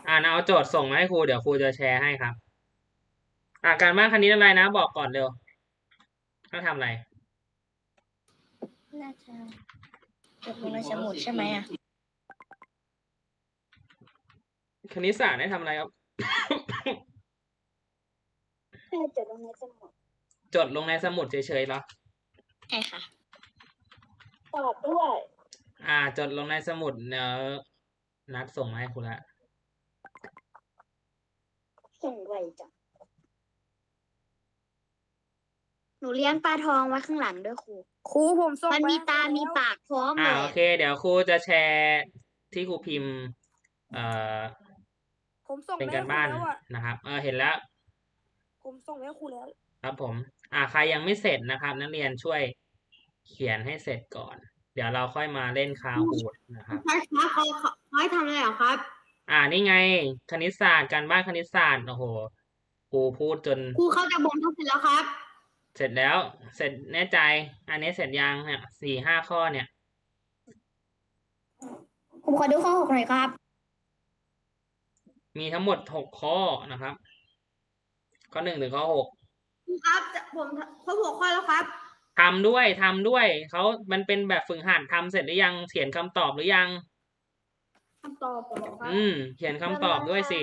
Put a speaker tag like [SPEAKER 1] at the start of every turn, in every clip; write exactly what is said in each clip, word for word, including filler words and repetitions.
[SPEAKER 1] อ่านเอาโจทย์ส่งมาให้ครูเดี๋ยวครูจะแชร์ให้ครับอ่าการบ้านคณิตอะไรนะบอกก่อนเร็วต้องทำอะไร
[SPEAKER 2] น่าจะจดลงในสมุดใช่ไหมอ่ะ
[SPEAKER 1] คณิตศาสตร์ได้ทำอะไรครับ
[SPEAKER 2] แค่จดลงในสมุด
[SPEAKER 1] จดลงในสมุดเฉยๆเหรอ
[SPEAKER 2] ใช่ค่ะตอบด้วย
[SPEAKER 1] อ่า จดลงในสมุดเดี๋ยวนัดส่งมาให้ครูละ
[SPEAKER 2] ส่งไวจังหนูเลี้ยงปลาทองไว้ข้างหลังด้วยครูครูผมส่งมันมีตา มีปากพร้อม
[SPEAKER 1] อ่า
[SPEAKER 2] เลย
[SPEAKER 1] โอเค เดี๋ยวครูจะแชร์ที่ครูพิมพ์ เอ่อ
[SPEAKER 3] ผมส่ง
[SPEAKER 1] เป็น
[SPEAKER 3] ไป
[SPEAKER 1] กา
[SPEAKER 3] ให้
[SPEAKER 1] ร
[SPEAKER 3] ครู
[SPEAKER 1] บ้าน
[SPEAKER 3] แล้วอ่ะ
[SPEAKER 1] นะครับ เออเห็นแล้ว
[SPEAKER 3] ผมส่งไปให้ครูแล้ว
[SPEAKER 1] ครับผม อ่าใครยังไม่เสร็จนะครับ นักเรียนช่วยเขียนให้เสร็จก่อน เดี๋ยวเราค่อยมาเล่นคาฮูดนะครับ
[SPEAKER 2] ใช่ครับเขาเขาให้ทำอะไรเหรอครับ
[SPEAKER 1] อ่านี่ไง คณิตศาสตร์การบ้านคณิตศาสตร์โอ้โหครูพูดจน
[SPEAKER 2] ครูเข้าจะบ่นทุกเสร็จแล้วครับ
[SPEAKER 1] เสร็จแล้ว เสร็จแน่ใจ อันนี้เสร็จยังเนี่ยสี่ห้าข้อเนี่ย
[SPEAKER 2] ผมขอดูข้อหกหน่อยครับ
[SPEAKER 1] มีทั้งหมดหกข้อนะครับ ข้อหนึ่งถึงข้อหก
[SPEAKER 2] ครับผมข้อหกข้อแล้วครับ
[SPEAKER 1] ทำด้วยทำด้วยเขามันเป็นแบบฝึกหัดทำเสร็จหรือยังเขียนคำตอบหรือยัง
[SPEAKER 2] คำตอบผมครับ
[SPEAKER 1] อืม เขียนคำตอบด้วยสิ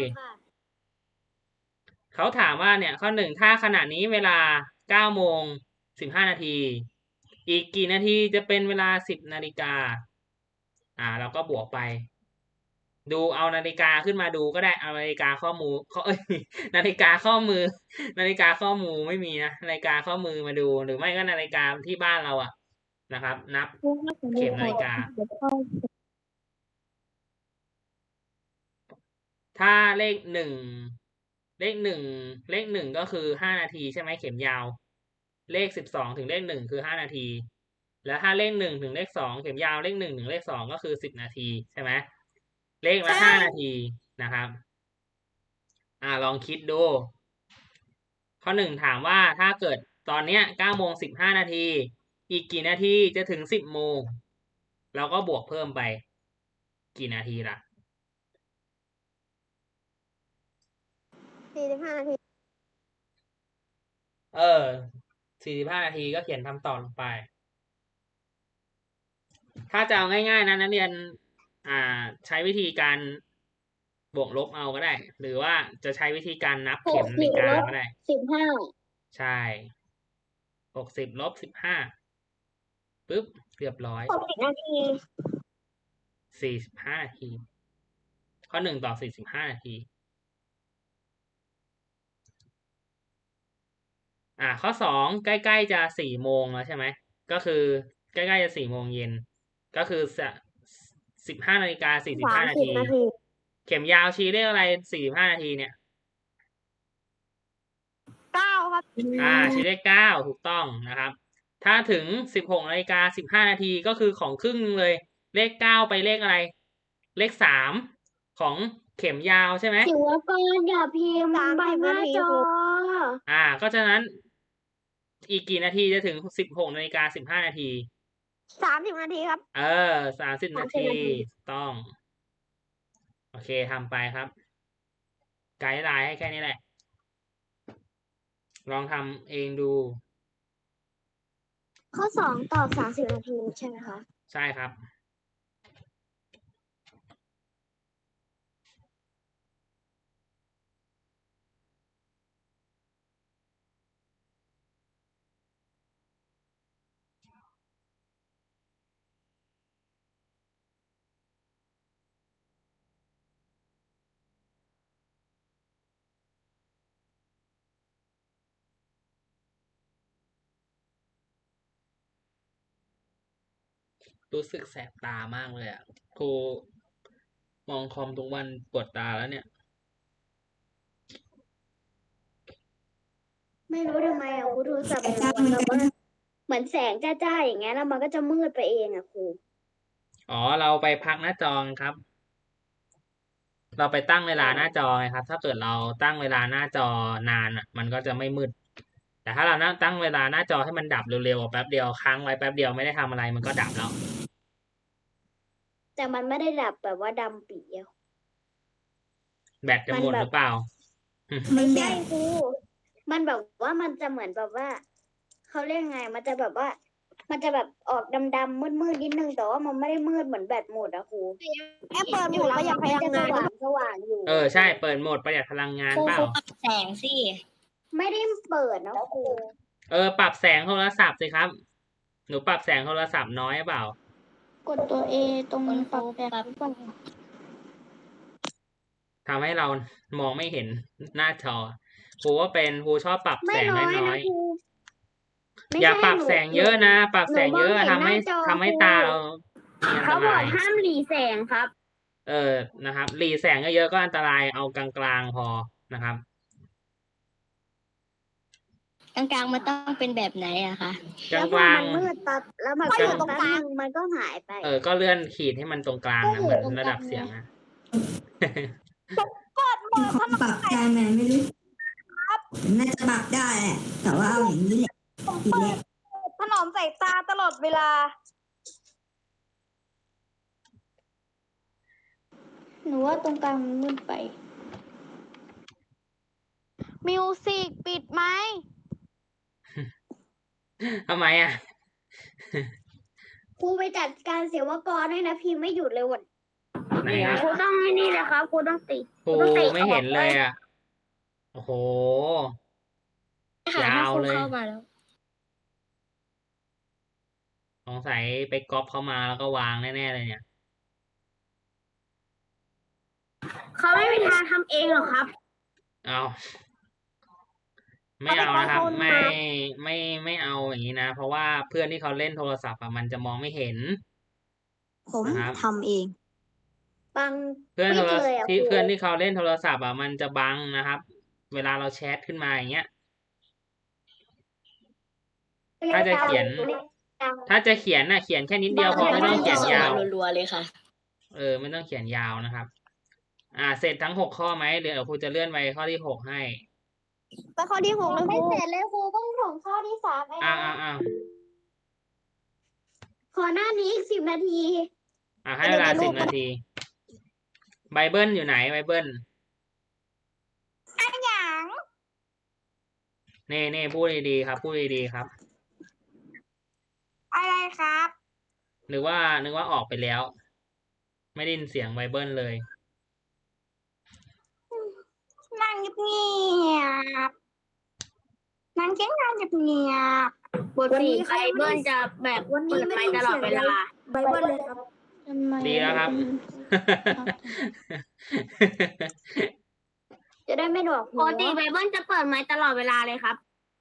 [SPEAKER 1] เขาถามว่าเนี่ยข้อหนึ่งถ้าขณะนี้เวลาเก้าโมงสิบห้านาทีอีกกี่นาทีจะเป็นเวลาสิบนาฬิกาอ่าเราก็บวกไป ดูเอานาฬิกาขึ้นมาดูก็ได้เอานาฬิกาข้อมือข้อเอ้ยนาฬิกาข้อมือ นาฬิกาข้อมือไม่มีนะนาฬิกาข้อมือมาดูหรือไม่ก็นาฬิกาที่บ้านเราอะนะครับ นับเข็มนาฬิกา ถ้าเลขหนึ่งเลขหนึ่งเลขหนึ่งก็คือห้านาทีใช่ไหมเข็มยาว เลขสิบสองถึงเลขหนึ่งคือห้านาที แล้วถ้าเลขหนึ่งถึงเลขสองเข็มยาวเลขหนึ่งถึงเลขสองก็คือสิบนาทีใช่ไหมเลขละห้านาทีนะครับ อ่าลองคิดดู ข้อหนึ่งถามว่าถ้าเกิดตอนเนี้ยเก้าโมงสิบห้านาที อีกกี่นาทีจะถึงสิบโมงเราก็บวกเพิ่มไป กี่นาทีล่ะ
[SPEAKER 2] สี่สิบห้านาที
[SPEAKER 1] เออสี่สิบห้านาทีก็เขียนคำตอบลงไป ถ้าจะเอาง่ายๆนะนักเรียน อ่า ใช้วิธีการบวกลบเอาก็ได้ หรือว่าจะใช้วิธีการนับเข็มนาฬิกาก็ได้
[SPEAKER 2] สิบห้า
[SPEAKER 1] ใช่หกสิบลบสิบห้าปึ๊บเรียบร้อย
[SPEAKER 2] หกสิบนาที
[SPEAKER 1] สี่สิบห้านาที ข้อหนึ่งต่อสี่สิบห้านาที อ่า ข้อสองใกล้ๆจะสี่โมงแล้วใช่ไหม ก็คือใกล้ๆจะสี่โมงเย็น ก็คือสิบห้านาฬิกาสี่สิบห้านาที เข็มยาวชี้เลขอะไรสี่สิบห้านาทีเนี่ย
[SPEAKER 2] เก้าครับ
[SPEAKER 1] อ่าชี้เลขเก้าถูกต้องนะครับ ถ้าถึงสิบหกนาฬิกาสิบห้านาทีก็คือของครึ่งเลย เลขเก้าไปเลขอะไร เลขสามของเข็มยาวใช่ไหม
[SPEAKER 2] ถือว่าก่อนอย่าพิมพ์บังหน้าจอ
[SPEAKER 1] อ่า ก็ฉะนั้น อีกกี่นาทีจะถึงสิบหกนาฬิกาสิบห้านาที
[SPEAKER 2] สามสิบนาทีครับ
[SPEAKER 1] เออสามสิบนาที ต้อง โอเคทำไปครับ ไกด์ไลน์ให้แค่นี้แหละ ลองทำเองดู
[SPEAKER 2] ข้อสองตอบสามสิบนาทีใช่ไหมคะ
[SPEAKER 1] ใช่ครับ รู้สึกแสบตามากเลยอ่ะครูมองคอมทุกวันปวดตาแล้วเนี่ย
[SPEAKER 2] ไม่รู้ทำไมอ่ะครูโทรศัพท์มันแบบว่าเหมือนแสงจ้าๆอย่างเงี้ยแล้วมันก็จะมืดไปเองอ่ะครู
[SPEAKER 1] อ๋อ เราไปพักหน้าจอไงครับ เราไปตั้งเวลาหน้าจอไงครับ ถ้าเกิดเราตั้งเวลาหน้าจอนานอ่ะ มันก็จะไม่มืด แต่ถ้าเรานั่งตั้งเวลาหน้าจอให้มันดับเร็วๆแป๊บเดียวค้างไว้แป๊บเดียวไม่ได้ทำอะไรมันก็ดับแล้ว
[SPEAKER 2] แต่มันไม่ได้ดับแบบว่าดำปีอ่ะ
[SPEAKER 1] แบตจะ
[SPEAKER 2] มัน
[SPEAKER 1] หมด
[SPEAKER 2] แบบ
[SPEAKER 1] หรือเปล่า
[SPEAKER 2] ไม่ใช่ครูมันแบบว่ามันจะเหมือนแบบว่าเขาเรียกไง มันจะแบบว่า มันจะแบบออกดำๆมืดๆนิดนึงแต่ว่ามันไม่ได้มืดเหมือนแบตหมดอะครู
[SPEAKER 3] แอปเปิดโหมดประหยัดพลังงาน
[SPEAKER 2] มันจะสว่างๆอยู่
[SPEAKER 1] เออใช่ เปิดโหมดประหยัดพลังงาน
[SPEAKER 4] ครู
[SPEAKER 1] เปล่า
[SPEAKER 4] ครูปรับแสงสิ
[SPEAKER 2] ไม่ได้เปิดนะครู
[SPEAKER 1] เออ ปรับแสงโทรศัพท์สิครับ หนูปรับแสงโทรศัพท์น้อยหรือเปล่า
[SPEAKER 5] กดตัว A ตรง
[SPEAKER 4] คุณค
[SPEAKER 5] ปรั
[SPEAKER 4] รู
[SPEAKER 5] บแสง
[SPEAKER 4] ปรับ
[SPEAKER 5] หรือเปล่า
[SPEAKER 1] ทำให้เรามองไม่เห็นหน้าจอครูว่าเป็นครูชอบปรับ
[SPEAKER 2] ไม่
[SPEAKER 1] แสง
[SPEAKER 2] น้อย
[SPEAKER 1] น้
[SPEAKER 2] นะ
[SPEAKER 1] อย
[SPEAKER 2] ครูไม่
[SPEAKER 1] ๆอย่า
[SPEAKER 2] ใช่
[SPEAKER 1] ปรับ
[SPEAKER 2] หนู
[SPEAKER 1] แสงเยอะนะ ปรับ
[SPEAKER 2] หนู
[SPEAKER 1] แสงเยอะ
[SPEAKER 2] มองเห็น
[SPEAKER 1] ทำให้
[SPEAKER 2] หน้าจอ
[SPEAKER 1] ทำให้
[SPEAKER 2] ครู
[SPEAKER 1] ตาเรามีอัน
[SPEAKER 2] เขา
[SPEAKER 1] ต
[SPEAKER 2] บอ
[SPEAKER 1] ราก ย
[SPEAKER 2] ห้ามหลีแสงครับ
[SPEAKER 1] เออนะครับหลีแสงเยอะๆก็อันตรายเอากลางๆพอนะครับ
[SPEAKER 4] กลางๆมันต้องเป็นแบบไหนอะคะ
[SPEAKER 1] กล
[SPEAKER 2] แล้วพอ
[SPEAKER 1] าง
[SPEAKER 2] มันมืดปั๊บแล้วมัน
[SPEAKER 1] ก
[SPEAKER 2] ก็
[SPEAKER 1] ลาง
[SPEAKER 2] แป๊บนึงมันก็หายไป
[SPEAKER 1] ๆเออ ก็เลื่อนขีดให้มันตรงกลางนะเหมือนระดับเสียงนะ
[SPEAKER 6] มีคนปรับได้ไหมไม่รู้น่าจะปรับได้แหละแต่ว่าเอาอย่างนี้แหละทีแรก
[SPEAKER 3] ถนอมสายตาตลอดเวลา
[SPEAKER 5] หนูว่าตรงกลางมันมืดไป
[SPEAKER 7] มิวสิกปิดไหม
[SPEAKER 1] ทำไมอ่ะ
[SPEAKER 2] ครูไปจัดการเสียวกรให้นะพิมพ์ไม่หยุดเลยวัน
[SPEAKER 1] ไหนครับ
[SPEAKER 2] ครูต้องให้นี่เลยครับครูต้องติด
[SPEAKER 1] ครูไม่เห็นเลยอ่ะ โอ้โห
[SPEAKER 4] ค่ะ
[SPEAKER 1] ยา
[SPEAKER 4] ถ้าว ครู
[SPEAKER 1] เลย
[SPEAKER 4] เข้ามาแล้ว
[SPEAKER 1] สงสัยไปก๊อปเข้ามาแล้วก็วางแน่ๆเลยเนี่ย
[SPEAKER 2] เขาไม่มีทางทำเองหรอกครับ
[SPEAKER 1] เอาไม่เอานะครับ ไม่ไม่ไม่เอาอย่างนี้นะ เพราะว่าเพื่อนที่เขาเล่นโทรศัพท์อะมันจะมองไม่เห็น
[SPEAKER 6] ผม
[SPEAKER 1] นะครับ
[SPEAKER 6] ทำเอง
[SPEAKER 2] บัง
[SPEAKER 1] เพื่อน
[SPEAKER 2] ปิ
[SPEAKER 1] โท
[SPEAKER 2] ด
[SPEAKER 1] ร
[SPEAKER 2] เลยอะ
[SPEAKER 1] ที่
[SPEAKER 2] ครู
[SPEAKER 1] เพื่อนที่เขาเล่นโทรศัพท์อ่ะมันจะบังนะครับ เวลาเราแชทขึ้นมาอย่างเงี้ย ถ้าจะเขียน ถ้าจะเขียนน่ะเขียนแค่นิดเดียวพอไม่ต้องเขียนยาว
[SPEAKER 4] รัวๆเลยค่ะ
[SPEAKER 1] เออไม่ต้องเขียนยาวนะครับ อ่า เสร็จทั้งหกข้อไหมเดี๋ยวครูจะเลื่อนไปข้อที่หกให้
[SPEAKER 3] ไปข้อที่หกเลยค
[SPEAKER 2] ไม่
[SPEAKER 3] รู
[SPEAKER 2] เสร็จเลยครูต้องส่งข้อที่สามเอง
[SPEAKER 1] อ่าอ่าอ่า
[SPEAKER 2] ขอหน้านี้อีกสิบนาที
[SPEAKER 1] อ่าให้เวลาสิบนาที ไบเบิลอยู่ไหนไบเบิล
[SPEAKER 3] อันหยัง
[SPEAKER 1] เน่เน่พูดดีๆครับ พูดดีๆครับ
[SPEAKER 3] อะไรครับ
[SPEAKER 1] นึกว่านึกว่าออกไปแล้ว ไม่ได้ยินเสียงไบเบิลเลย
[SPEAKER 3] นั่งเงียบๆนั่งเงียบๆเงียบๆ
[SPEAKER 2] บทสี่ไบเบิลจะแบบ
[SPEAKER 3] วันนี้
[SPEAKER 2] เปิด
[SPEAKER 3] ไม่
[SPEAKER 2] ไม
[SPEAKER 3] ได้
[SPEAKER 2] ค์ตลอดเวลา
[SPEAKER 3] ไบเบิลเลยครับ
[SPEAKER 5] ทำไม
[SPEAKER 1] ดีแล้วครับ
[SPEAKER 2] จะได้ไม่หนวกหู
[SPEAKER 7] ปกติไบเบิลจะเปิดไมค์ตลอดเวลาเลยครับ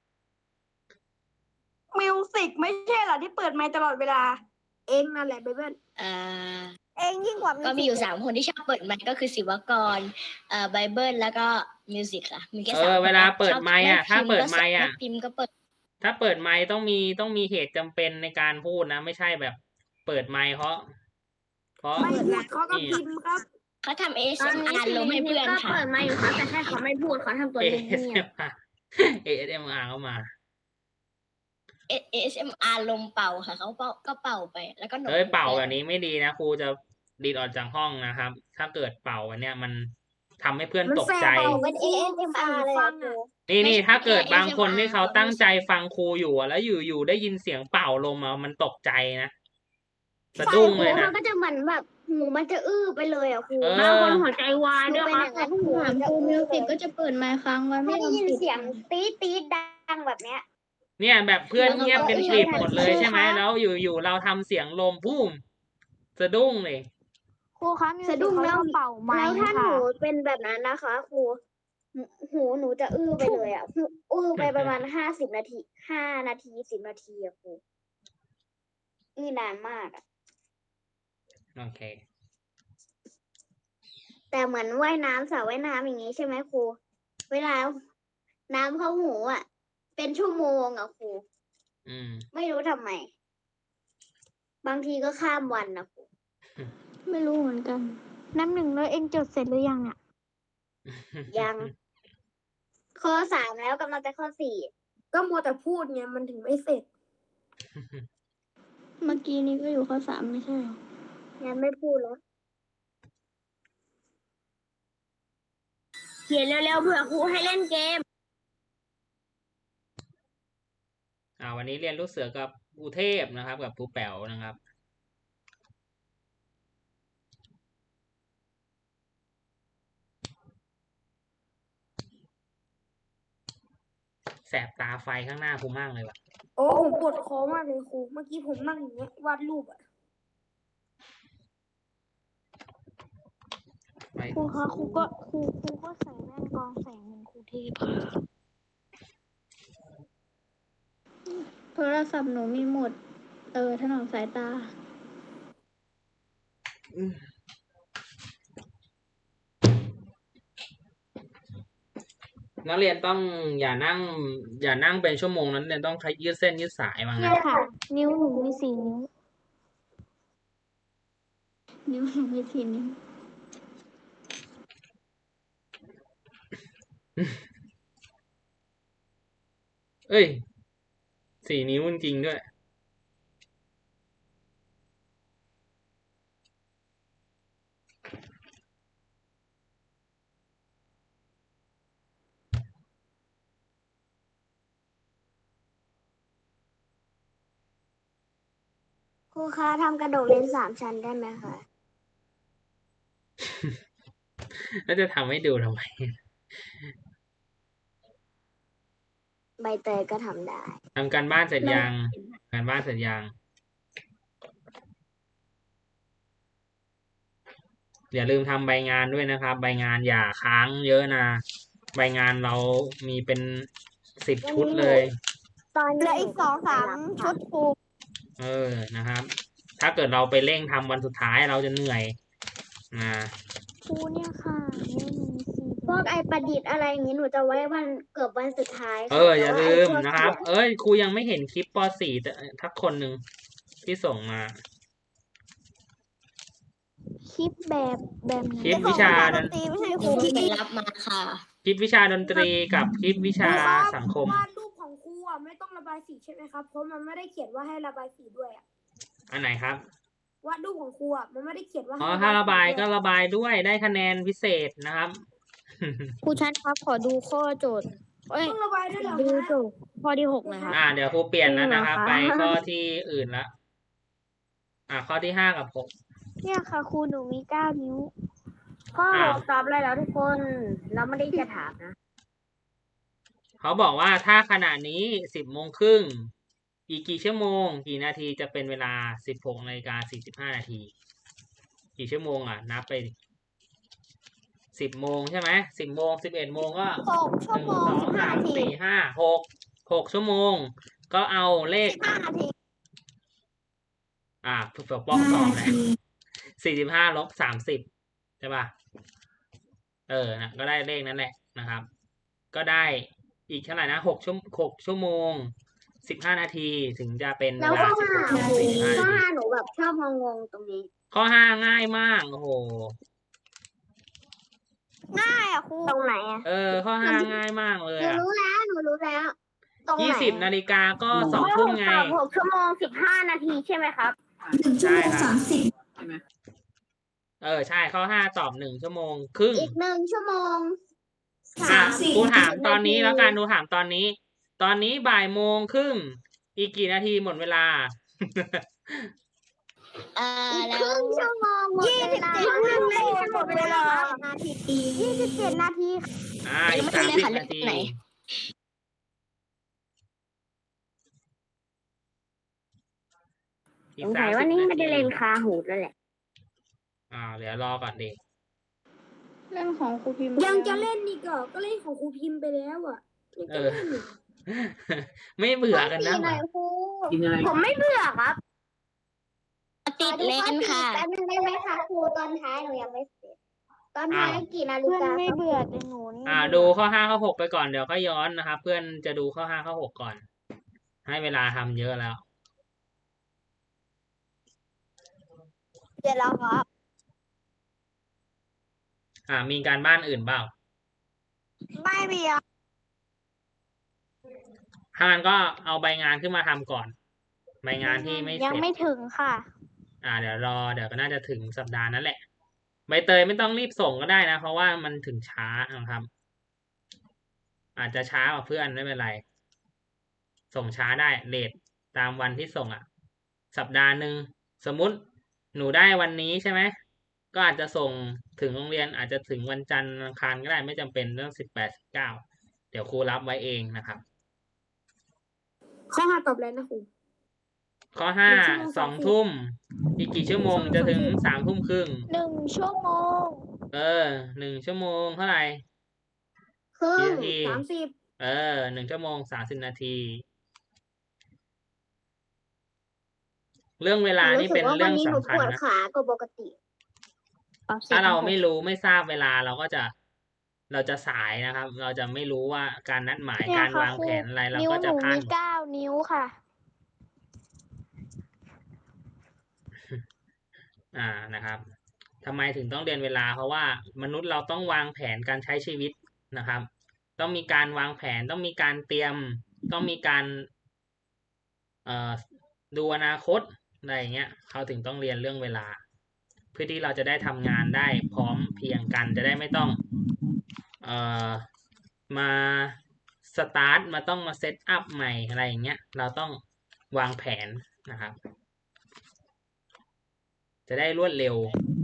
[SPEAKER 3] มิวสิกไม่ใช่เหรอที่เปิดไมค์ตลอดเวลา เองนั่นแหละไบเบิล
[SPEAKER 4] เอ่อ
[SPEAKER 3] เองยิ่งกว่า
[SPEAKER 4] ก็มีอยู่สามคนที่ชอบเปิดไมค์ก็คือศิวกร เอ่อ ไบเบิล แล้วก็มิวสิกค่ะ มีแค่
[SPEAKER 1] เอ
[SPEAKER 4] สาม
[SPEAKER 1] อ
[SPEAKER 4] คน
[SPEAKER 1] เวลา
[SPEAKER 4] นะ
[SPEAKER 1] เปิด
[SPEAKER 4] ชอบ
[SPEAKER 1] ไมค์อะ
[SPEAKER 4] ไม่
[SPEAKER 1] ถ้า
[SPEAKER 4] พิมพ์
[SPEAKER 1] เปิด
[SPEAKER 4] ก็
[SPEAKER 1] ไมค์อะ
[SPEAKER 4] ไม่พิมพ์ก็เปิด
[SPEAKER 1] ถ้าเปิดไมค์ต้องมีต้องมีเหตุจำเป็นในการพูดนะ ไม่ใช่แบบเปิดไมค์เพราะ เพราะ
[SPEAKER 3] ไม่พูดเขาก็พิมพ์ครับ
[SPEAKER 4] เขาทำ เอ เอส เอ็ม อาร์ ลงให้เพื่อน
[SPEAKER 7] ก็
[SPEAKER 4] ค่ะ
[SPEAKER 7] เปิดไมค์อยู่ครับแต่แค่เขาไม่พูดเขาทำตัว
[SPEAKER 1] เอ
[SPEAKER 7] เงี
[SPEAKER 1] เอส
[SPEAKER 7] ย
[SPEAKER 1] เอ็
[SPEAKER 7] บ
[SPEAKER 1] มอาร์ เอ เอส เอ็ม อาร์ เข้ามา
[SPEAKER 4] เอ เอส เอ็ม อาร์ ลมเป่าค่ะ เขาเป่าก็เป่าไป แล้วก็หนก
[SPEAKER 1] เอ้ย
[SPEAKER 4] หู
[SPEAKER 1] เป่า
[SPEAKER 4] ไป
[SPEAKER 1] แบบนี้ไม่ดีนะครูจะดีดออกจากห้องนะครับ ถ้าเกิดเป่าอันเนี้ยมันทำให้เพื่อน
[SPEAKER 3] มัน
[SPEAKER 1] ตก
[SPEAKER 3] แสบ
[SPEAKER 1] ใจ
[SPEAKER 3] เป่า
[SPEAKER 2] เป็น เอ เอส เอ็ม อาร์ เลยอะครู
[SPEAKER 1] นี่นี่
[SPEAKER 4] ไม่ใช่
[SPEAKER 1] ถ้าเกิด
[SPEAKER 4] แค่
[SPEAKER 1] บางคน
[SPEAKER 4] เอส เอ็ม อาร์
[SPEAKER 1] ที่เขาตั้ง
[SPEAKER 4] เขาไม่
[SPEAKER 1] ใจฟังครูอยู่อะแล้วอยู่อยู่ได้ยินเสียงเป่าลมอะมันตกใจนะสะดุ้งเลย
[SPEAKER 2] มั
[SPEAKER 1] นะ
[SPEAKER 2] นก็จะเหมือนแบบหูมันจะอื้อไปเลยอะครู
[SPEAKER 1] เออ
[SPEAKER 7] บางคนหัวใจวาย
[SPEAKER 2] หนู
[SPEAKER 7] ด้วย
[SPEAKER 2] เป็น
[SPEAKER 7] ค
[SPEAKER 2] อ
[SPEAKER 7] รับ
[SPEAKER 2] ย่างนั้นหู
[SPEAKER 5] ถาม
[SPEAKER 2] จะ
[SPEAKER 5] ครู
[SPEAKER 2] อื้
[SPEAKER 5] มิ
[SPEAKER 2] อ
[SPEAKER 5] ว
[SPEAKER 2] เล
[SPEAKER 5] สิก
[SPEAKER 2] ย
[SPEAKER 5] ก็จะเปิดไมค์ค้างไว้ไม่
[SPEAKER 2] ไม่ได้
[SPEAKER 5] ยอม
[SPEAKER 2] ยิน
[SPEAKER 5] ปิด
[SPEAKER 2] เสียงตี๊ดตี๊ดดังแบบเนี้ย
[SPEAKER 1] เนี่ยแบบเพื่อนเงียบเป็นกลิบหมดเลย
[SPEAKER 2] ครู
[SPEAKER 1] ใช่ไหม
[SPEAKER 2] คะ
[SPEAKER 1] แล้วอยู่อยู่เราทำเสียงลมพุ่มสะดุ้งเลย
[SPEAKER 7] ครูคะมิว
[SPEAKER 2] สะ
[SPEAKER 7] สิ
[SPEAKER 2] ดุ้
[SPEAKER 7] ก
[SPEAKER 2] ง
[SPEAKER 7] เขา
[SPEAKER 2] แล้ว
[SPEAKER 7] ชอบเป่าไม
[SPEAKER 2] แล้ว
[SPEAKER 7] ค์
[SPEAKER 2] ถ้าห
[SPEAKER 7] ค่ะ
[SPEAKER 2] นูเป็นแบบนั้นนะคะครูหูหูหนูจะอื้อไปเลยอ่ะหูอื้อไปประมาณห้าสิบนาทีห้านาทีสิบนาทีอะครูอื้อนานมากอะ
[SPEAKER 1] โอเค
[SPEAKER 2] แต่เหมือนว่ายน้ำสระว่ายน้ำอย่างนี้ใช่ไหมครูเวลาน้ำเข้าหูอ่ะ เป็นชั่วโมงอะครู
[SPEAKER 1] อืม
[SPEAKER 2] ไม่รู้ทำไม บางทีก็ข้ามวันนะครู
[SPEAKER 5] ไม่รู้เหมือนกัน
[SPEAKER 7] น้ำหนึ่งแล้วเองจดเสร็จหรือยังเนี่ย
[SPEAKER 2] ยัง ข้อสามแล้วกำลังจะข้อสี่
[SPEAKER 3] ก็มัวแต่พูดไงมันถึงไม่เสร็จ
[SPEAKER 5] เมื่อกี้นี้ก็อยู่ข้อสามไม่ใช่เหรอ
[SPEAKER 2] งั้นไม่พูดแล้ว
[SPEAKER 7] ขียนเร็วๆเผื่อครูให้เล่นเกม
[SPEAKER 1] อ่า วันนี้เรียนลูกเสือกับครูเทพนะครับ กับครูแป๋วนะครับ แสบตาไฟข้างหน้าครูมากเลยว่ะ
[SPEAKER 3] โอ้ผมปวดคอมากเลยครูเมื่อกี้ผมนั่งอย่างเงี้ยวาดรูปอะ
[SPEAKER 1] ไป
[SPEAKER 7] ครูคะครูก็ครูครูก็ใส่แว่นกรองแสงเหมือนครูเทพค่ะ
[SPEAKER 5] โทรศัพท์หนูมีหมด เออถนอมสายตา
[SPEAKER 1] นักเรียนต้องอย่านั่ง อย่านั่งเป็นชั่วโมงนั้นเรียนต้องใช้ยืดเส้นยืดสายบ้าง
[SPEAKER 7] เนี่
[SPEAKER 1] นะ
[SPEAKER 7] ยค่ะ นิ้วหนูมีสี่นิ้ว
[SPEAKER 5] นิ้วหนูไม่ทีนิ้ว
[SPEAKER 1] เอ้ย สี่นิ้วจริงๆด้วย
[SPEAKER 2] ครูคะทำกระดกเลนส์สามชั้นได้ไหมคะ
[SPEAKER 1] แล้วจะทำให้ดูทำไม
[SPEAKER 2] ใบเตยก็ทำได้
[SPEAKER 1] ทำการบ้านเสร็จยัง การบ้านเสร็จยัง อย่าลืมทำใบงานด้วยนะครับ ใบงานอย่าค้างเยอะนะ ใบงานเรามีเป็นสิบชุดเลย
[SPEAKER 2] ตอนเหลืออีกสองสามชุดครู
[SPEAKER 1] เออ นะครับ ถ้าเกิดเราไปเร่งทำวันสุดท้ายเราจะเหนื่อยนะ
[SPEAKER 7] ครูเนี่ยค่ะนิ้วหนูมีสี่
[SPEAKER 2] พวกไอประดิษฐ์อะไรอย่างนี้หนูจะไว้วันเกือบวันสุดท้ายค่ะ
[SPEAKER 1] เออ อย่า
[SPEAKER 2] แต่ว่
[SPEAKER 1] ลืม
[SPEAKER 2] ไพวก
[SPEAKER 1] นะครับ
[SPEAKER 2] เขีย
[SPEAKER 1] เอ้ย ครูยังไม่เห็นคลิปป .สี่ แต่ทักคนหนึ่งที่ส่งมา
[SPEAKER 7] คลิปแบบแบบไหน
[SPEAKER 1] คลิปวิชาดน
[SPEAKER 2] ตีไม่ใช่ค
[SPEAKER 4] เดี๋
[SPEAKER 2] รู
[SPEAKER 4] ยวเพิ่งไปรับมาค่ะ
[SPEAKER 1] คลิปวิชาดนตรีกับคลิปวิชาสังคม
[SPEAKER 3] วาดรูปของครูอะไม่ต้องระบายสีใช่ไหมครับเพราะมันไม่ได้เขียนว่าให้ระบายสีด้วยอะ
[SPEAKER 1] อันไหนครับ
[SPEAKER 3] วาดรูปของครูอะมันไม่ได้เขียนว่า
[SPEAKER 1] อ๋อ
[SPEAKER 3] ให้
[SPEAKER 1] ถ้าระบาย
[SPEAKER 3] สี
[SPEAKER 1] ก็
[SPEAKER 3] ด้วย
[SPEAKER 1] ระบายด้วยได้คะแนนพิเศษนะครับ
[SPEAKER 7] ครูชัดครับขอดูข้อโจทย์เอ้ย
[SPEAKER 3] ต้องระบายด้วยเหรอ
[SPEAKER 7] ดู
[SPEAKER 3] คะ
[SPEAKER 7] โจทย์ข้อที่หกหนะครับ
[SPEAKER 1] อ่า เดี๋ยวครูเปลี่ยนแล้วนะครับ
[SPEAKER 7] จริ
[SPEAKER 1] ไป
[SPEAKER 7] งเหรอคะ
[SPEAKER 1] ข้อที่อื่นละอ่า ข้อที่ห้ากับหก
[SPEAKER 7] เนี่ยค่ะครูหนูมีเก้านิ้ว
[SPEAKER 2] ข้อ
[SPEAKER 1] อ่า
[SPEAKER 2] ตอบเลยแล้วทุกคนเราไม่ได้จะถามนะ
[SPEAKER 1] เขาบอกว่าถ้าขณะนี้สิบโมงครึ่งอีกกี่ชั่วโมง กี่นาทีจะเป็นเวลาสิบหกนาฬิกาสี่สิบห้านาที กี่ชั่วโมงอ่ะ นับไปสิบโมงใช่ไหมสิบโมงสิบเอ็ดโมงก็
[SPEAKER 2] หกชั่
[SPEAKER 1] ห
[SPEAKER 2] ว
[SPEAKER 1] นึ่ง
[SPEAKER 2] โมง
[SPEAKER 1] สอง
[SPEAKER 2] สิบห้า
[SPEAKER 1] สาม
[SPEAKER 2] นาที
[SPEAKER 1] สี่ห้าหกหกชั่วโมง ก็เอาเลข
[SPEAKER 2] ห้านาที
[SPEAKER 1] อ่าฝึกปอกส
[SPEAKER 6] ห้า
[SPEAKER 1] อง
[SPEAKER 6] นา
[SPEAKER 1] นะ
[SPEAKER 6] ที
[SPEAKER 1] สี่สิบห้าลบสามสิบใช่ป่ะ เออนะก็ได้เลขนั้นแหละนะครับ ก็ได้อีกเท่าไหร่นะหกชั่วหกชั่วโมงสิบห้านาทีถึงจะเป็นเว
[SPEAKER 2] แล้ว
[SPEAKER 1] ลา
[SPEAKER 2] ข้อ
[SPEAKER 1] สิบ
[SPEAKER 2] ห้า
[SPEAKER 1] หกชั่วโมงสี่สิบห้า
[SPEAKER 2] ข้อ
[SPEAKER 1] นาที
[SPEAKER 2] ห้าหนูแบบชอบงงๆตรงนี้
[SPEAKER 1] ข้อห้าง่ายมากโอ้โห
[SPEAKER 2] ง่ายอ่ะครูตรงไหนอ่ะ
[SPEAKER 1] เออ ข้อห้าง่ายมากเลย
[SPEAKER 2] หนู
[SPEAKER 1] อ่ะ
[SPEAKER 2] รู้แล้วหนูรู้แล้ว ตรงไหน
[SPEAKER 1] ยี่สิบนาฬิกาก็สองทุ่มไง
[SPEAKER 2] หกชั่วโมงสิบห้านาทีใช่ไหมครับ
[SPEAKER 6] หนึ่งชั่วโมงสามสิบ
[SPEAKER 1] เออใช่ข้อห้าตอบหนึ่งชั่วโมงครึ่ง
[SPEAKER 2] อีกหนึ่งชั่วโมง
[SPEAKER 1] อ่ะ
[SPEAKER 6] สิบ
[SPEAKER 1] ครูถามตอนนี้แล้วกันดูถามตอนนี้ ตอนนี้บ่ายโมงครึ่งอีกกี่นาทีหมดเวลา
[SPEAKER 4] อ่า
[SPEAKER 2] อีก
[SPEAKER 4] แล้
[SPEAKER 2] คว รึ่งชั่วโมงหมดเวลา
[SPEAKER 3] ยี่สิบเจ็ดนาทีหมดเวลา
[SPEAKER 2] นาทียี่สิบเจ็ดนาที
[SPEAKER 1] อ่าอีกสามสิบนาที อี
[SPEAKER 2] ส
[SPEAKER 1] ก
[SPEAKER 2] ง
[SPEAKER 1] สา
[SPEAKER 2] สั
[SPEAKER 1] ม
[SPEAKER 2] ย
[SPEAKER 1] สิ
[SPEAKER 2] ว่า
[SPEAKER 1] บ
[SPEAKER 2] นี่
[SPEAKER 1] นา
[SPEAKER 2] ไม่ได้
[SPEAKER 1] ที
[SPEAKER 2] เล่นคาหูดแล้วแหละ
[SPEAKER 1] อ่าเดี๋ยวรอก่อนดิ
[SPEAKER 5] เรื่องของครูพิมพ์
[SPEAKER 3] ยังจะเล่นอีกเหรอก็เล่นของครูพิมพ์ไปแล้วอ่ะยัง
[SPEAKER 1] เอ
[SPEAKER 3] จะ
[SPEAKER 1] อ
[SPEAKER 3] เล่นอีก
[SPEAKER 1] ไม่เบื่อกันนะ
[SPEAKER 2] หน่อยครู
[SPEAKER 8] กินอะไร
[SPEAKER 2] ผมไม่เบื่อครับ
[SPEAKER 4] ติดเล่นค่ะ
[SPEAKER 2] แป๊บนึงได้ไหมคะครูตอนท้ายหนูยังไม่เสร็จ ตอนท้าย
[SPEAKER 1] อ้าว
[SPEAKER 2] กี่นาฬิ
[SPEAKER 7] เพื่อน
[SPEAKER 2] กา
[SPEAKER 7] ไม่
[SPEAKER 2] ครับ
[SPEAKER 7] เบื่อแต่หนูนี่
[SPEAKER 1] อ่า ดูข้อห้าข้อหกไปก่อนเดี๋ยวก็ย้อนนะครับ เพื่อนจะดูข้อห้าข้อหกก่อน ให้เวลาทำเยอะแล้ว
[SPEAKER 2] เดี๋ยวเราครับ
[SPEAKER 1] อ่า มีการบ้านอื่นเปล่า
[SPEAKER 2] ไม่มีอ่ะ
[SPEAKER 1] ถ้างั้นก็เอาใบงานขึ้นมาทำก่อน ใบงานที่ไม่เส
[SPEAKER 7] ยัง
[SPEAKER 1] ร็จ
[SPEAKER 7] ไม่ถึงค่ะ
[SPEAKER 1] อ่าเดี๋ยวรอเดี๋ยวก็น่าจะถึงสัปดาห์นั้นแหละ ใบเตยไม่ต้องรีบส่งก็ได้นะ เพราะว่ามันถึงช้านะครับอาจจะช้ากว่าเพื่อนไม่เป็นไร ส่งช้าได้เลทตามวันที่ส่งอ่ะ สัปดาห์หนึ่งสมมุติหนูได้วันนี้ใช่ไหมก็อาจจะส่งถึงโรงเรียนอาจจะถึงวันจันทร์อังคารก็ได้ไม่จำเป็นเรื่องสิบแปดสิบเก้าเดี๋ยวครูรับไว้เองนะครับ
[SPEAKER 3] ข้อห้าตอบเลยนะครู
[SPEAKER 1] ข้อห้าสองทุ่มอีกกี่ชั่วโมงจะถึงสามทุ่มครึ่ง
[SPEAKER 7] หนึ่งชั่วโมง
[SPEAKER 1] เออหนึ่งชั่วโมงเท่าไหร่
[SPEAKER 2] ครึ่
[SPEAKER 1] กี่
[SPEAKER 2] ง
[SPEAKER 1] นาที
[SPEAKER 3] สามสิบ
[SPEAKER 1] เออหนึ่งชั่วโมงสามสิบนาที เรื่องเวลานี่เป็นเรื่อง
[SPEAKER 2] หนู
[SPEAKER 1] สำคัญ
[SPEAKER 2] ปวด
[SPEAKER 1] นะ
[SPEAKER 2] ขากว่าปกติ
[SPEAKER 1] ถ้าเราไม่รู้ไม่ทราบเวลาเราก็จะเราจะสายนะครับ เราจะไม่รู้ว่าการนัดหมาย
[SPEAKER 7] เนี่ย
[SPEAKER 1] การ
[SPEAKER 7] ค่ะ
[SPEAKER 1] วาง
[SPEAKER 7] ครู
[SPEAKER 1] แผนอะไรเรา
[SPEAKER 7] นิ้ว
[SPEAKER 1] ก็
[SPEAKER 7] ห
[SPEAKER 1] จะ
[SPEAKER 7] นู
[SPEAKER 1] พลาด
[SPEAKER 7] มีเก้านิ้วค่ะ
[SPEAKER 1] อ่านะครับทำไมถึงต้องเรียนเวลา เพราะว่ามนุษย์เราต้องวางแผนการใช้ชีวิตนะครับ ต้องมีการวางแผนต้องมีการเตรียม ต้องมีการเอ่อดูอนาคตอะไรอย่างเงี้ยเขาถึงต้องเรียนเรื่องเวลา เพื่อที่เราจะได้ทำงานได้พร้อมเพรียงกันจะได้ไม่ต้องเอ่อมาสตาร์ทมาต้องมาเซตอัพใหม่อะไรอย่างเงี้ยเราต้องวางแผนนะครับ จะได้รวดเร็ว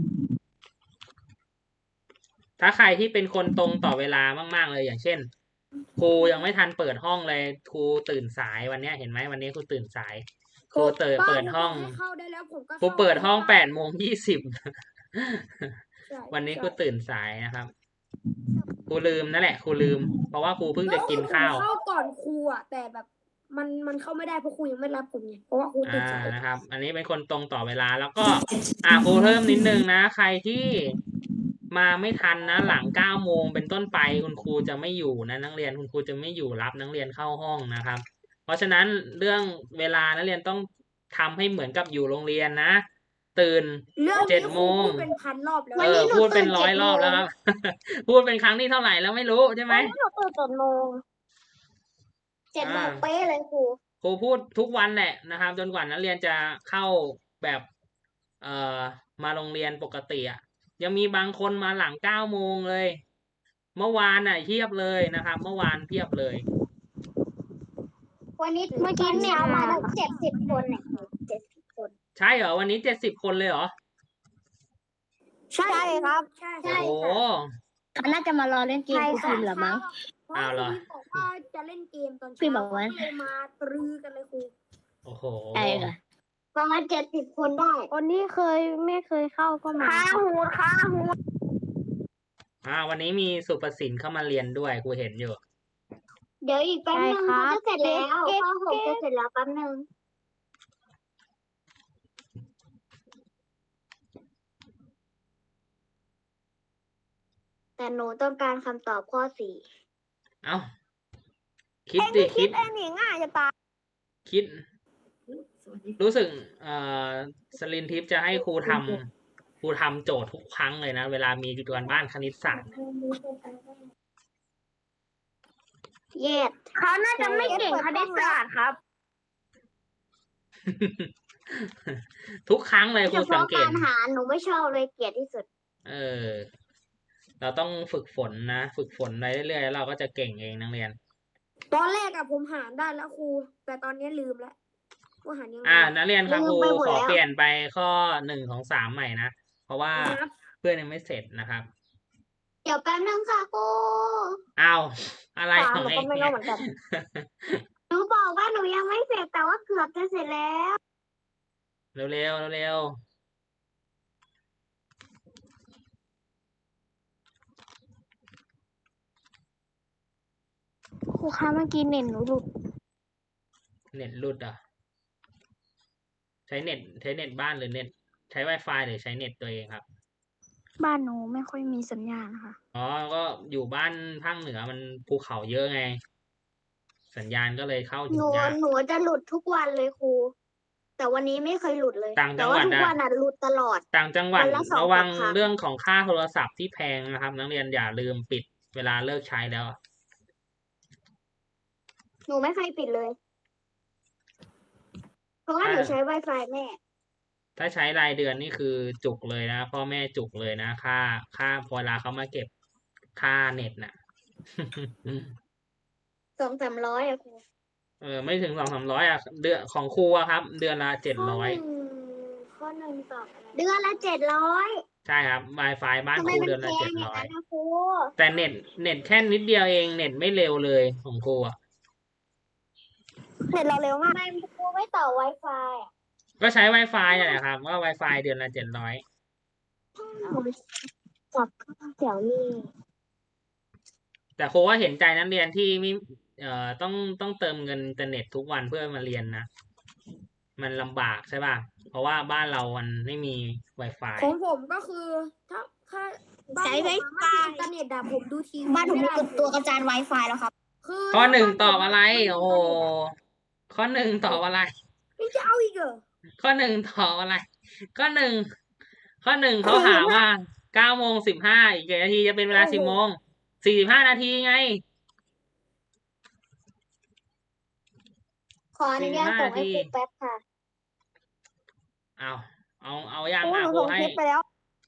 [SPEAKER 1] ถ้าใครที่เป็นคนตรงต่อเวลามากๆเลยอย่างเช่นครูยังไม่ทันเปิดห้องเลยครูตื่นสายวันเนี้ยเห็นไหมวันนี้ครูตื่นสายครูเปิดเปิดห้อง
[SPEAKER 3] เข้าได้แล้วผมก็
[SPEAKER 1] ครูเปิดห้องแปดโมงยี่สิบ
[SPEAKER 3] ใช่
[SPEAKER 1] วันนี้ครูตื่นสายนะครับครูลืมนั่นแหละครูลืม เพราะว่าครูเพิ่งจะกินข้าว
[SPEAKER 3] เข้าก่อนครูอ่ะแต่แบบมันมันเข้าไม่ได้เพราะครูยังไม่รับผมไงเพราะว่าครูติด
[SPEAKER 1] อ่า
[SPEAKER 3] สาย
[SPEAKER 1] นะครับ อันนี้เป็นคนตรงต่อเวลาแล้วก็ อ่าครูเพิ่มนิดนึงนะ ใครที่มาไม่ทันนะหลังเก้าโมงเป็นต้นไปคุณครูจะไม่อยู่นะนักเรียนคุณครูจะไม่อยู่รับนักเรียนเข้าห้องนะครับ เพราะฉะนั้นเรื่องเวลานักเรียนต้องทำให้เหมือนกับอยู่โรงเรียนนะ ตื่น
[SPEAKER 3] เรื่อง
[SPEAKER 1] เจ็
[SPEAKER 3] นี้
[SPEAKER 1] ด
[SPEAKER 3] ค
[SPEAKER 1] โม
[SPEAKER 3] รู
[SPEAKER 1] ง
[SPEAKER 3] พูดเป็นพันรอบแล้ว
[SPEAKER 1] เออพูดเป็นร้อยรอบแล้วครับ พูดเป็นครั้งที่เท่าไหร่แล้วไม่รู้ใช่ไหม
[SPEAKER 7] หนูตื่นเจ็ดโมง
[SPEAKER 2] เจ็ดโมง
[SPEAKER 1] อ่า
[SPEAKER 2] เป๊ะเลยครู
[SPEAKER 1] ครูพูดทุกวันแหละนะครับ จนกว่านักเรียนจะเข้าแบบเอ่อมาโรงเรียนปกติอ่ะยังมีบางคนมาหลังเก้าโมงเลย เมื่อวานน่ะเพียบเลยนะครับ เมื่อวานเพียบเลย
[SPEAKER 2] วันนี้
[SPEAKER 7] เมื่อกี้
[SPEAKER 2] ตน
[SPEAKER 7] เนี่ย
[SPEAKER 2] เช้ามา
[SPEAKER 7] มา
[SPEAKER 2] ตั้งเจ็ดสิบคนเนี่ยเจ็ดสิบคน
[SPEAKER 1] ใช่เหรอวันนี้เจ็ดสิบคนเลยเหรอ
[SPEAKER 3] ใช่ครับใช่
[SPEAKER 2] ใช่
[SPEAKER 1] โอ้โห
[SPEAKER 2] ค่ะ
[SPEAKER 4] เขาน่าจะมารอเล่นเกมครูพิมพ์เหรอมั้ง
[SPEAKER 3] เพราะ
[SPEAKER 1] อ้าวเหรอ
[SPEAKER 3] ครูบอกว่าจะเล่นเกมตอน
[SPEAKER 4] พี่
[SPEAKER 3] เช้า
[SPEAKER 4] บอกว่า
[SPEAKER 3] ก็เลยมาตรือกันเลยครู
[SPEAKER 1] โอ้โห
[SPEAKER 4] ใช่ค่ะ
[SPEAKER 2] ประมาณเจ็ดสิบคนได้
[SPEAKER 7] คนที่เคยไม่เคยเข้าก็มา
[SPEAKER 3] ข้าหูข้าหู
[SPEAKER 1] อ่า วันนี้มีสุประสินเข้ามาเรียนด้วยครูเห็นอยู่
[SPEAKER 2] เดี๋ยวอีกแป๊บนึง
[SPEAKER 7] ใช่ครับ
[SPEAKER 2] เขาจะเสร็จแล้ว
[SPEAKER 7] เก๊ก
[SPEAKER 2] ข้อหก
[SPEAKER 7] เก๊
[SPEAKER 2] จะ
[SPEAKER 7] ก
[SPEAKER 2] เสร็จแล้วแป๊บนึงแต่หนูต้องการคำตอบข้อสี่
[SPEAKER 1] เอ้าคิดดิคิด
[SPEAKER 7] เองนี่ง่ายจะตาย
[SPEAKER 1] คิด รู้สึกเอ่อสลินทิพย์จะให้ครูทำครูทำโจทย์ทุกครั้งเลยนะ เวลามีการบ้านคณิตศาสตร์
[SPEAKER 2] เย็ด
[SPEAKER 3] เขาน่าจะไม่เก่งคณิตศาสตร์ครับ
[SPEAKER 1] ทุกครั้งเลยค
[SPEAKER 2] เฉ
[SPEAKER 1] รูสัง
[SPEAKER 2] พาะ
[SPEAKER 1] เกต
[SPEAKER 2] การหาหนูไม่ชอบเลยเกลียดที่สุด
[SPEAKER 1] เออ เราต้องฝึกฝนนะ ฝึกฝนไปเรื่อยๆแล้วเราก็จะเก่งเองนักเรียน
[SPEAKER 3] ตอนแรกอะผมหารได้แล้วครู แต่ตอนนี้ลืมแล้วว่าหารยังไง
[SPEAKER 1] อ่า นักเรียนครับ
[SPEAKER 2] ลื
[SPEAKER 1] ค
[SPEAKER 2] ม
[SPEAKER 1] รู
[SPEAKER 2] ไปหมด
[SPEAKER 1] ขอ
[SPEAKER 2] แล้ว
[SPEAKER 1] เปลี่ยนไปข้อหนึ่งของสามใหม่นะ เพราะว่า
[SPEAKER 3] ครับ
[SPEAKER 1] เพื่อนยังไม่เสร็จนะครับ
[SPEAKER 2] เดี๋ยวแป๊บนึงค่ะครู
[SPEAKER 1] อ้าวอะไร
[SPEAKER 7] ตาม
[SPEAKER 1] ของ
[SPEAKER 7] หนู
[SPEAKER 1] เอ
[SPEAKER 7] ก็
[SPEAKER 1] ง
[SPEAKER 7] ไม่
[SPEAKER 1] เนี่
[SPEAKER 7] รู้
[SPEAKER 1] ย
[SPEAKER 7] เหมือนกัน
[SPEAKER 2] หนูบอกว่าหนูยังไม่เสร็จแต่ว่าเกือบจะเสร็จแล้ว
[SPEAKER 1] เร็วๆเร็ว
[SPEAKER 7] ครูคะเมื่อกี้เน็ตหนูหลุด
[SPEAKER 1] ๆเน็ตหลุดอ่ะ ใช้เน็ตใช้เน็ตบ้านหรือเน็ต ใช้ Wi-Fi หรือใช้เน็ตตัวเองครับ
[SPEAKER 7] บ้านหนูไม่ค่อยมีสัญญาณค่ะ
[SPEAKER 1] อ๋อ ก็อยู่บ้านภาคเหนือมันภูเขาเยอะไง สัญญาณก็เลยเข้า
[SPEAKER 2] ห
[SPEAKER 1] ถึง
[SPEAKER 2] นู
[SPEAKER 1] ยาก
[SPEAKER 2] หนูจะหลุดทุกวันเลยครู แต่วันนี้ไม่เคยหลุดเลย
[SPEAKER 1] ต่างจั
[SPEAKER 2] แต่
[SPEAKER 1] งห
[SPEAKER 2] ว่า
[SPEAKER 1] วัด
[SPEAKER 2] ทุก
[SPEAKER 1] อะ
[SPEAKER 2] วันอ่ะหลุดตลอด
[SPEAKER 1] ต่างจังหวัด
[SPEAKER 2] วันละสอง
[SPEAKER 1] ระวัง
[SPEAKER 2] สามครั้ง
[SPEAKER 1] เรื่องของค่าโทรศัพท์ที่แพงนะครับ นักเรียนอย่าลืมปิดเวลาเลิกใช้แล้ว
[SPEAKER 2] หนูไม่เคยปิดเลย เพราะว่าหนูใช้ Wi-Fi แม่
[SPEAKER 1] ถ้าใช้รายเดือนนี่คือจุกเลยนะพ่อแม่จุกเลยนะค่าค่าพอเวลาเขามาเก็บค่าเน็ตน่ะ
[SPEAKER 2] สองสามร้อยอะครู
[SPEAKER 1] เออไม่ถึงสองสามร้อยอ่ะเดือนของครูอะครับ เดือนละเจ็ดร้อย
[SPEAKER 7] ข้อหนึ่งตอบอะไร
[SPEAKER 2] เดือนละเจ็ดร้อย
[SPEAKER 1] ใช่ครับ Wi-Fi บ้าน
[SPEAKER 2] ทำ
[SPEAKER 1] ค
[SPEAKER 2] ไม
[SPEAKER 1] รู
[SPEAKER 2] มัน
[SPEAKER 1] เดือน
[SPEAKER 2] แพ
[SPEAKER 1] ละ
[SPEAKER 2] ง
[SPEAKER 1] เจ็ด
[SPEAKER 2] อย่าง
[SPEAKER 1] ร้อย
[SPEAKER 2] นั้นนะครู
[SPEAKER 1] แต่เน็ตเน็ตแค่นิดเดียวเองเน็ตไม่เร็วเลยของครูอ่ะ
[SPEAKER 3] เน็ตเราเร็ว
[SPEAKER 2] ทำ
[SPEAKER 3] มาก
[SPEAKER 2] ไมครูไม่ต่อ Wi-Fi อะ
[SPEAKER 1] ก็ใช้ Wi-Fi นั่นแหละครับว่า Wi-Fi เดือนละเจ็ดร้อย
[SPEAKER 3] จับเสี่ยวมี่
[SPEAKER 1] แต่ครูว่าเห็นใจนักเรียนที่ไม่เอ่อต้องต้องเติมเงินอินเทอร์เน็ตทุกวันเพื่อมาเรียนนะ มันลำบากใช่ป่ะ เพราะว่าบ้านเรามันไม่มี Wi-Fi
[SPEAKER 8] ของผมก็คือ ถ้าถ้าบ้าน
[SPEAKER 3] ใช้
[SPEAKER 8] ผม
[SPEAKER 3] ไว
[SPEAKER 8] อะ
[SPEAKER 3] ไฟ
[SPEAKER 8] ไม่มีอินเทอร์เน็ตอะผมดูทีวี
[SPEAKER 4] บ้านผม
[SPEAKER 8] ไม่
[SPEAKER 4] มี
[SPEAKER 8] ได้
[SPEAKER 4] ตัวกระจาย Wi-Fi แล้วครับ
[SPEAKER 8] คือ
[SPEAKER 1] ข้อหนึ่ง
[SPEAKER 8] ถ้า
[SPEAKER 1] ต
[SPEAKER 8] บ้า
[SPEAKER 1] อบ
[SPEAKER 8] ผม
[SPEAKER 1] อะไร
[SPEAKER 8] ไม่มี
[SPEAKER 1] โอ้โห ข้อหนึ่งตอบอะไร
[SPEAKER 8] ยังจะเอาอีกเหรอ
[SPEAKER 1] ข้อหนึ่งตอบอะไร ข้อหนึ่งข้อหนึ่งเขาหาว่าเก้าโมงสิบห้าอีกกี่นาทีจะเป็นเวลาสิบโมงสี่สิบห้านาทีไง
[SPEAKER 2] ขออนุญาต
[SPEAKER 1] สี่สิบห้า
[SPEAKER 2] ส่งให้
[SPEAKER 1] นาที
[SPEAKER 2] ครูแป๊บค่ะ
[SPEAKER 1] เอาเอาเอายัง
[SPEAKER 3] ครู
[SPEAKER 1] อ่ะ
[SPEAKER 3] หนู
[SPEAKER 1] ครู
[SPEAKER 3] ส่ง
[SPEAKER 1] ให้
[SPEAKER 3] คลิปไปแล้ว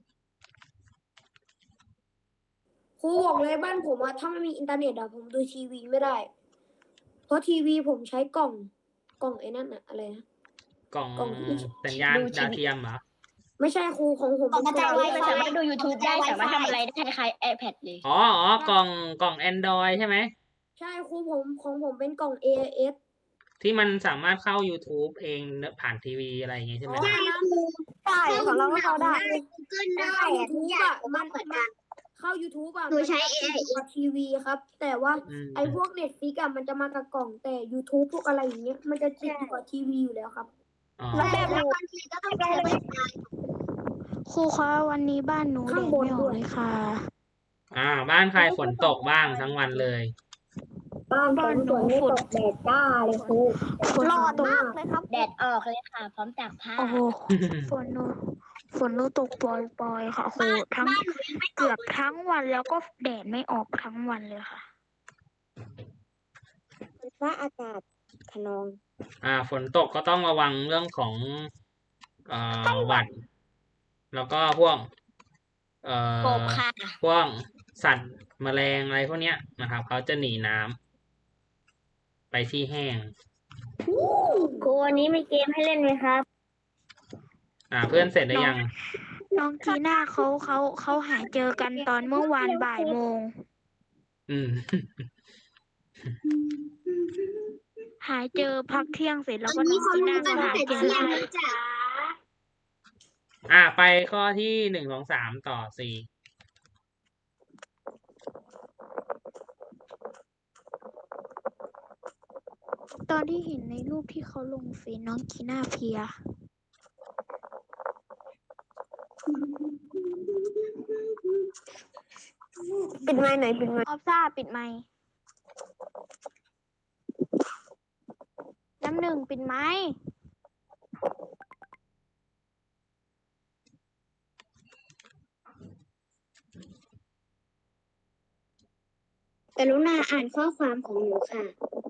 [SPEAKER 8] ครูบอกเลยบ้านผมอะถ้าไม่มีอินเทอร์เน็ตอะผมดูทีวีไม่ได้ เพราะทีวีผมใช้กล่องกล่องไอ้นั่นอะอะไรนะ
[SPEAKER 1] กล่อง
[SPEAKER 8] กล่องที่
[SPEAKER 1] สัญญาณ
[SPEAKER 4] ดูทีวี
[SPEAKER 1] ดาวเทียมเหรอ
[SPEAKER 8] ไม่ใช่ครูของผม
[SPEAKER 4] กล่องกระจาย
[SPEAKER 8] เป็น
[SPEAKER 4] Wi-Fi
[SPEAKER 8] กล่อง
[SPEAKER 4] สามารถดู YouTube ได้ สามารถทำอะไรได้คล้ายๆ iPad เลย
[SPEAKER 1] อ๋ออ๋อกล่องกล่อง Android ใช่ไหม
[SPEAKER 8] ใช่ครูผมของผมเป็นกล่อง เอ เอส
[SPEAKER 1] ที่มันสามารถเข้า YouTube เองผ่านทีวีอะไรอย่างงี้ใช่ไหม
[SPEAKER 8] อ๋ออันนั้น
[SPEAKER 3] ใช่ของเราก็เข้าได้
[SPEAKER 2] Google
[SPEAKER 8] แต่
[SPEAKER 2] ได้
[SPEAKER 8] เข้า
[SPEAKER 2] อะทุก
[SPEAKER 8] YouTube
[SPEAKER 2] อย่าง
[SPEAKER 8] อะ
[SPEAKER 2] มั
[SPEAKER 8] มัน น
[SPEAKER 2] เหมือน
[SPEAKER 8] มั
[SPEAKER 2] กัน น
[SPEAKER 8] เข้า YouTube อะ
[SPEAKER 2] หนูใช้
[SPEAKER 8] มันจะ
[SPEAKER 2] เอ ไอ
[SPEAKER 8] ติดกับทีวีครับ แต่ว่า
[SPEAKER 1] อืม
[SPEAKER 8] ไอ้พวก Netflix อะมันจะมากับกล่องแต่ YouTube พวกอะไรอย่างเงี้ยมันจะติดอยู่กับทีวีอยู่แล้วครับ
[SPEAKER 1] อ๋อ
[SPEAKER 3] แล้วแบบ
[SPEAKER 2] แล้วบางทีก็ต้องใช้ Wi-Fi
[SPEAKER 5] ครูคะวันนี้บ้านหนูแด
[SPEAKER 8] ข้าง
[SPEAKER 5] ด
[SPEAKER 8] บน
[SPEAKER 5] ไม่ออ
[SPEAKER 8] ด้
[SPEAKER 5] ก
[SPEAKER 8] วย
[SPEAKER 5] เลยค่ะ
[SPEAKER 1] อ่า บ้านใครฝนตกบ้างทั้งวันเลย
[SPEAKER 8] บ้าน
[SPEAKER 5] บ้านหนูฝน
[SPEAKER 8] แดดจ้าเลยครู
[SPEAKER 5] ฝน
[SPEAKER 3] หลอด
[SPEAKER 5] ตก
[SPEAKER 3] มากเลยครับ
[SPEAKER 4] แดดออกเลยค่ะ พร้อมตากผ้า
[SPEAKER 5] โอ้โหฝนหนูฝนหนูตกปล่อยๆค่ะครูทั้ง
[SPEAKER 2] บ้านหนูยังไม่ต
[SPEAKER 5] เกื
[SPEAKER 2] ก
[SPEAKER 5] อบทั้งวันแล้วก็แดดไม่ออกทั้งวันเลยค่ะ
[SPEAKER 3] ฟ้าอากาศขนอง
[SPEAKER 1] อ่า ฝนตกก็ต้องระวังเรื่องของเอ่อหวัด แล้วก็พวก เอ่
[SPEAKER 4] ก
[SPEAKER 1] อบ
[SPEAKER 4] ค่ะ
[SPEAKER 1] พวกสัตว์แมลงอะไรพวกเนี้ยนะครับเขาจะหนีน้ำไปที่แห้ง
[SPEAKER 2] ครูวันนี้มีเกมให้เล่นไหมครับ
[SPEAKER 1] อ่า เพื่อนเสร็จหรือยัง
[SPEAKER 5] น้องจีน่าเขาเขาเขาหาเจอกันตอนเมื่อวานบ่ายโมง
[SPEAKER 1] อืม
[SPEAKER 5] หาเจอพักเที่ยงเสร็จแล้วก็
[SPEAKER 2] วัน
[SPEAKER 5] น้
[SPEAKER 2] นี้
[SPEAKER 5] อง
[SPEAKER 2] เขา
[SPEAKER 5] จี
[SPEAKER 2] รู้
[SPEAKER 5] น่า
[SPEAKER 2] กั
[SPEAKER 5] ก็
[SPEAKER 2] นตั้
[SPEAKER 5] หาง
[SPEAKER 2] แต่
[SPEAKER 5] เจอ
[SPEAKER 2] เที่ยง
[SPEAKER 5] ให้
[SPEAKER 2] แล้วจ้ะ
[SPEAKER 1] อ่า ไปข้อที่หนึ่งสองสามต่อสี่
[SPEAKER 5] ตอนที่เห็นในรูปที่เขาลงเฟซน้องจีน่าเพลีย
[SPEAKER 3] ปิดไมค์หน่อยปิดไมค์
[SPEAKER 5] ออฟซ่าปิดไมค์น้ำหนึ่งปิดไมค์
[SPEAKER 2] กรุณาอ่านข้อความของหนูค่ะ